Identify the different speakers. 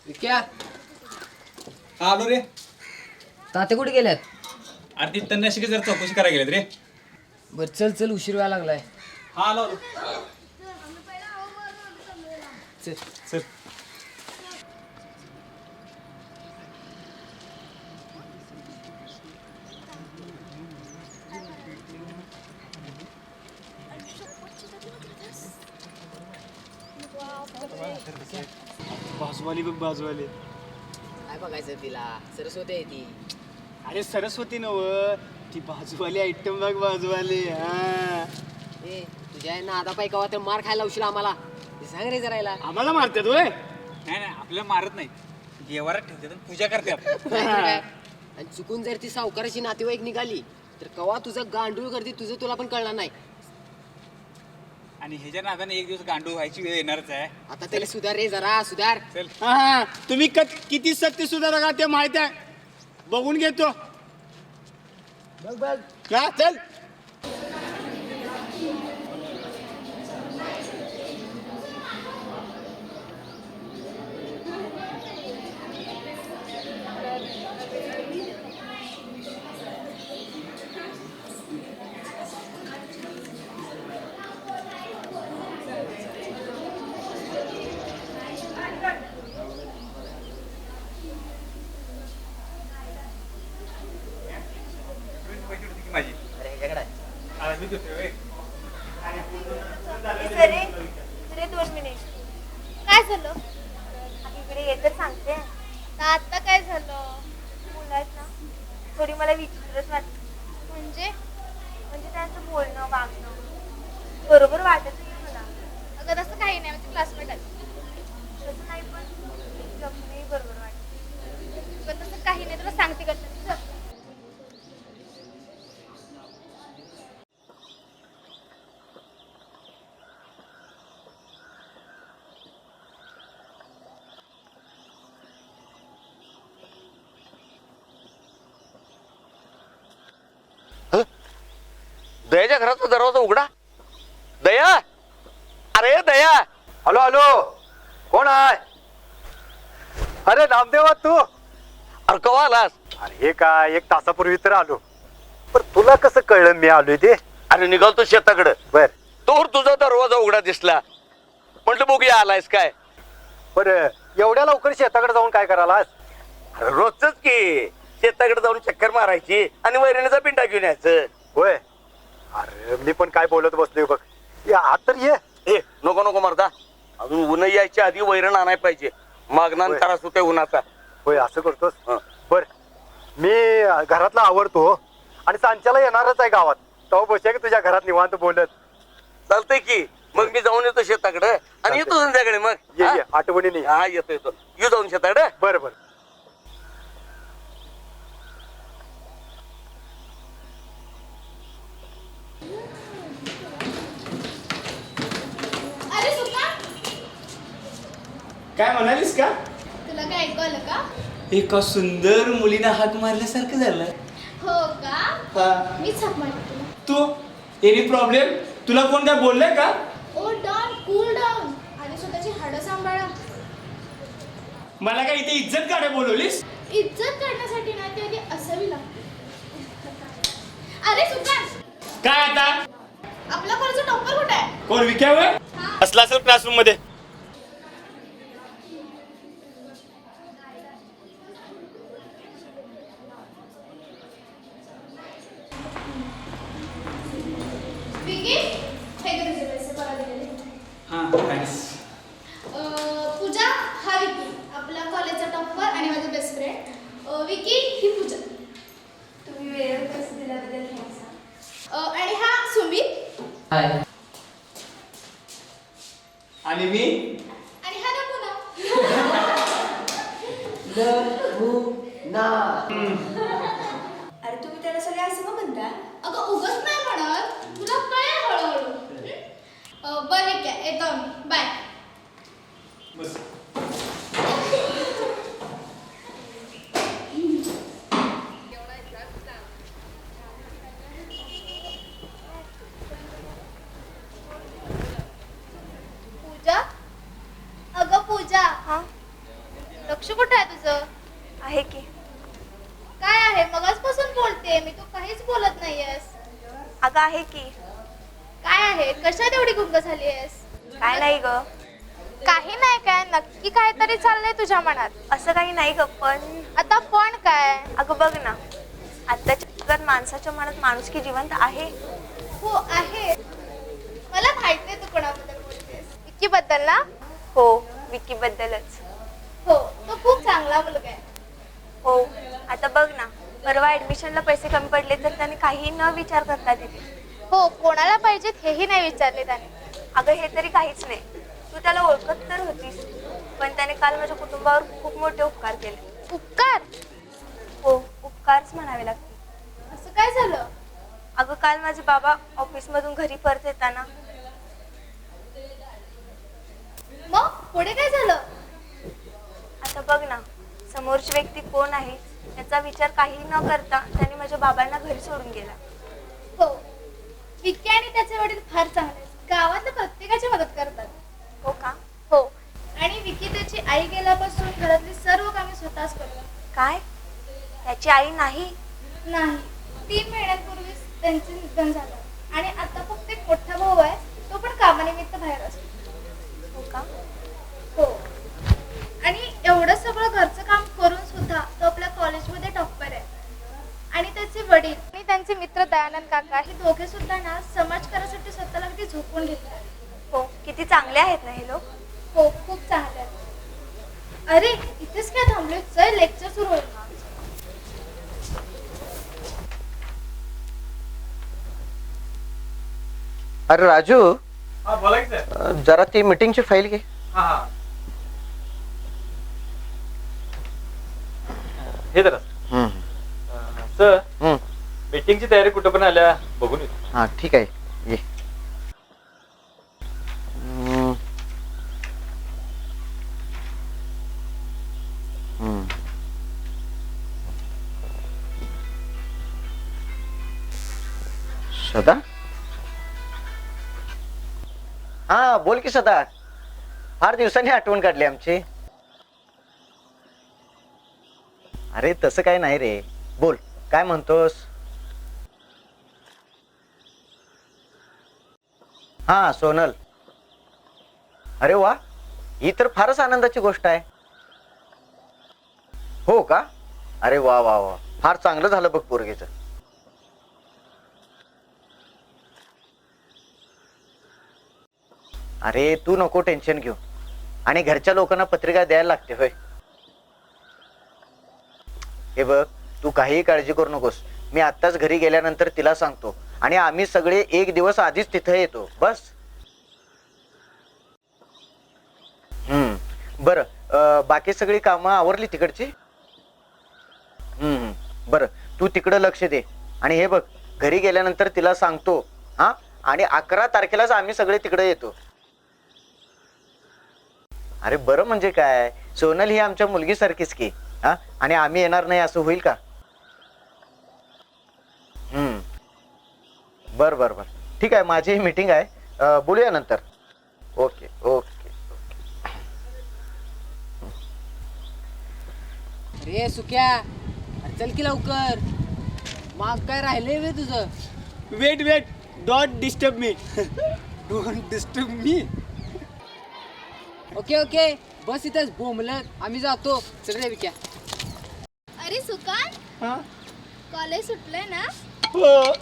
Speaker 1: क्या
Speaker 2: हा आलो रे.
Speaker 1: ताते कुठे गेल्यात?
Speaker 2: अरे ती तन्नाशिकी जर चौकशी करायला गेलेत रे.
Speaker 1: बर चल चल उशीर व्हायला लागलाय.
Speaker 2: हा आलो आलो.
Speaker 1: चल.
Speaker 2: चल.
Speaker 3: बाजूवाली बघ बाजूवाली.
Speaker 1: काय बघायचं तिला? सरस्वती आहे ती.
Speaker 3: अरे सरस्वती नव ती बाजूवाली आयटम बघ बाजूवाली. हा
Speaker 1: ए तुझ्या नादा पाय कवा तर मार खायला उशीर आम्हाला. ते सांग रे जरायला.
Speaker 3: आम्हाला मारतात होय.
Speaker 2: नाही नाही आपल्याला मारत नाही. देवारात ठेवतात आणि पूजा करतात.
Speaker 1: आणि चुकून जर ती सावकाराची नातेवाईक निघाली तर कवा तुझं गांडूळ करते तुझं तुला पण कळणार नाही.
Speaker 2: आणि ह्याच्या नादाने एक दिवस गांडू व्हायची वेळ येणारच आहे.
Speaker 1: आता त्याला सुधार रे जरा सुधार.
Speaker 2: चल.
Speaker 3: हा तुम्ही किती सत्य सुधारा का ते माहित आहे. बघून घेतो.
Speaker 1: बघ बघ.
Speaker 3: हा चल.
Speaker 2: माझी
Speaker 1: अरे ह्याच्याकडे आहे.
Speaker 2: आज मी देतोय होय.
Speaker 4: सरे सरे 2 मिनिट. काय झालं? आता इकडे ये तर सांगते. तर आता काय झालं? मुलात ना थोडी मला विचित्रच वाटत. म्हणजे त्यांचं बोलणं वागणं बरोबर वाटत नाही मला. अगं तसं काही नाही. म्हणजे क्लासमेट आहे तसं नाही पण जगणंही बरोबर वाटत. पण तसं काही नाही. तुला सांगते का
Speaker 5: दयाच्या घराचा दरवाजा उघडा. दया, अरे दया. हॅलो हॅलो, कोण आहे?
Speaker 6: अरे नामदेव तू.
Speaker 5: अरे कवा आलास?
Speaker 6: अरे हे काय 1 तासापूर्वी तर आलो. पण तुला कसं कळलं मी आलोय ते?
Speaker 5: अरे निघालतो शेताकडे.
Speaker 6: बर
Speaker 5: तोवर तुझा दरवाजा उघडा दिसला. म्हटलं बघूया आलायस काय.
Speaker 6: बर एवढ्या लवकर शेताकडे जाऊन काय करायलास?
Speaker 5: अरे रोजच की शेताकडे जाऊन चक्कर मारायची आणि वैरणीचा पिंडा घेऊन यायचं.
Speaker 6: होय. अरे मी पण काय बोलत बसलोय बघ. या आत तर ये.
Speaker 5: ए नको नको मरदा, अजून ऊन यायच्या आधी वैरण आणाय पाहिजे. मागणार
Speaker 6: होय.
Speaker 5: त्रास होतोय उन्हाचा.
Speaker 6: होय असं करतोस.
Speaker 5: हं.
Speaker 6: बर मी घरातला आवरतो आणि सांच्याला येणारच आहे गावात. तो बसूया की तुझ्या घरात निवांत बोलत.
Speaker 5: चालतंय की मग मी जाऊन येतो शेताकडे आणि
Speaker 6: चालतंय.
Speaker 5: येतो संध्याकाळी मग.
Speaker 6: ये
Speaker 5: हा?
Speaker 6: ये आठवणीने.
Speaker 5: हा येतो येतो. येऊ जाऊन शेताकडे.
Speaker 6: बर बर.
Speaker 4: अरे सुका
Speaker 3: काय म्हणालीस का?
Speaker 4: तुला काय ऐकू आलं का?
Speaker 3: एका सुंदर मुलीने हाक मारल्यासारखं झालं.
Speaker 4: हो का?
Speaker 3: हा
Speaker 4: मीच हाक मारते तुला.
Speaker 3: तू एनी प्रॉब्लेम? तुला कोण काय बोललंय का?
Speaker 4: Oh don cool down. आणि स्वतःची हाडं सांभाळा.
Speaker 3: मला काय इथे इज्जत काढे बोलवलीस?
Speaker 4: इज्जत काढण्यासाठी ना ती आधी असावी लागते. अरे सुकान,
Speaker 3: काय आता?
Speaker 4: आपला कॉलेजचा टॉपर कुठे आहे?
Speaker 3: कोण विक्या होय? असला असेल क्लासरूम मध्ये.
Speaker 4: विकी, हे घे तुझे पैसे परत दिलेले.
Speaker 3: हा थँक्स.
Speaker 4: पूजा हा विकी, आपला कॉलेजचा टॉपर आणि माझा बेस्ट फ्रेंड. विकी ही पूजा. तुम्ही वेळेवर पैसे दिल्याबद्दल थँक्स. आणि हा सुमित.
Speaker 1: हाय.
Speaker 3: आणि मी
Speaker 4: आणि हा नमुना.
Speaker 7: अरे तुम्ही त्याला सगळे असं का म्हणता?
Speaker 4: अगं उगाच नाही म्हणत, तुला कळेल हळूहळू. बरं ठीक आहे, येतो मी. बाय.
Speaker 3: बस.
Speaker 4: पूजा, अगं पूजा. हा तुला लक्ष कुठं आहे तुझं?
Speaker 7: आहे की.
Speaker 4: काय आहे? मगाचपासून बोलते मी, तू काहीच बोलत नाहीयेस.
Speaker 7: अगं आहे की.
Speaker 4: काय आहे? कशात एवढी गुंग झालीयस?
Speaker 7: काय नाही ग.
Speaker 4: काही नाही काय, नक्की काहीतरी चाललंय तुझ्या मनात.
Speaker 7: असं काही नाही ग, पण
Speaker 4: आता पण काय?
Speaker 7: अगं बघ ना, आत्ताच्या जगात माणसाच्या मनात माणुसकी जिवंत आहे.
Speaker 4: हो आहे. मला माहितीये तू कोणाबद्दल बोलतेस. विक्की बद्दल ना?
Speaker 7: हो, विकी बद्दलच.
Speaker 4: हो, तो खूप चांगला मुलगा आहे.
Speaker 7: हो, आता बघ ना, परवा ऍडमिशनला पैसे कमी पडले तर त्याने काही न विचार करता दिले.
Speaker 4: हो, कोणाला पाहिजेत हेही नाही विचारले त्याने.
Speaker 7: अगं हे तरी काहीच नाही, तू त्याला ओळखत तर होतीस, पण त्याने काल माझ्या कुटुंबावर खूप मोठे उपकार केले.
Speaker 4: उपकार?
Speaker 7: हो, उपकारच म्हणावे लागतील.
Speaker 4: असं काय झालं?
Speaker 7: अगं काल माझे बाबा ऑफिसमधून घरी परत येताना.
Speaker 4: मग पुढे काय झालं?
Speaker 7: आता बघ ना, समोरची व्यक्ती कोण आहे याचा विचार काही न करता त्याने माझ्या बाबांना घरी सोडून गेला.
Speaker 4: हो, विक्की आणि त्याचे वडील फार चांगले आहेत. गावातल्या प्रत्येकाची मदत करतात.
Speaker 7: हो का?
Speaker 4: हो, आणि विक्की त्याची आई गेल्यापासून घरातली सर्व कामे स्वतःच करतात.
Speaker 7: काय? त्याची आई नाही?
Speaker 4: नाही, 3 महिन्यांपूर्वीच त्यांचे निधन झालं आणि आता फक्त एक मोठा भाऊ आहे, तो पण कामानिमित्त बाहेर असतो.
Speaker 7: हो का?
Speaker 4: हो, आणि एवढं सगळं घरचं काम करून सुद्धा तो आपल्या कॉलेजमध्ये टॉपर आहे. आणि त्याचे वडील आणि त्यांचे मित्र दयानंद काका हे दोघे सुद्धा ना समाजकारासाठी स्वतःला अगदी झोपून घेतले.
Speaker 7: हो, किती चांगले आहेत ना हे लोक.
Speaker 4: हो, खूप चांगले आहेत. अरे इथेच काय थांबलोय, चल लेक्चर सुरू होईल ना.
Speaker 5: अरे राजू,
Speaker 6: हा बोला की सर.
Speaker 5: जरा ती मीटिंगची फाईल घे.
Speaker 6: हा हा, हे जरा सर, मीटिंगची तयारी कुठं पण आल्या बघून येतो.
Speaker 5: हा ठीक आहे, ये. सदा, हा बोल की सदा, फार दिवसांनी आठवण काढली आमची. अरे तसं काय नाही रे, बोल काय म्हणतोस. हा सोनल, अरे वा, ही तर फारच आनंदाची गोष्ट आहे. हो का? अरे वा वा वा, फार चांगलं झालं बघ पोरगीचं. अरे तू नको टेन्शन घेऊ, आणि घरच्या लोकांना पत्रिका द्यायला लागते होय. हे बघ, तू काहीही काळजी करू नकोस. मी आत्ताच घरी गेल्यानंतर तिला सांगतो आणि आम्ही सगळे एक दिवस आधीच तिथे येतो, बस. बरं, बाकी सगळी कामं आवरली तिकडची? बरं, तू तिकडं लक्ष दे. आणि हे बघ, घरी गेल्यानंतर तिला सांगतो हा, आणि 11 तारखेलाच आम्ही सगळे तिकडे येतो. अरे बरं म्हणजे काय, सोनल ही आमच्या मुलगीसारखीच की. हा, आणि आम्ही येणार नाही असं होईल का? बर बर बर, ठीक आहे, माझी मीटिंग आहे, बोलूया नंतर. Okay okay.
Speaker 1: अरे सुक्या, अरे चल की लवकर, मग काय राहिलंय वे तुझं?
Speaker 3: Wait wait, don't disturb me. Don't disturb me.
Speaker 1: Okay okay, बस इथेच बोंबलत, आम्ही जातो. चल रे विक्या.
Speaker 4: अरे सुकान, कॉलेज सुटलंय ना?
Speaker 3: हो.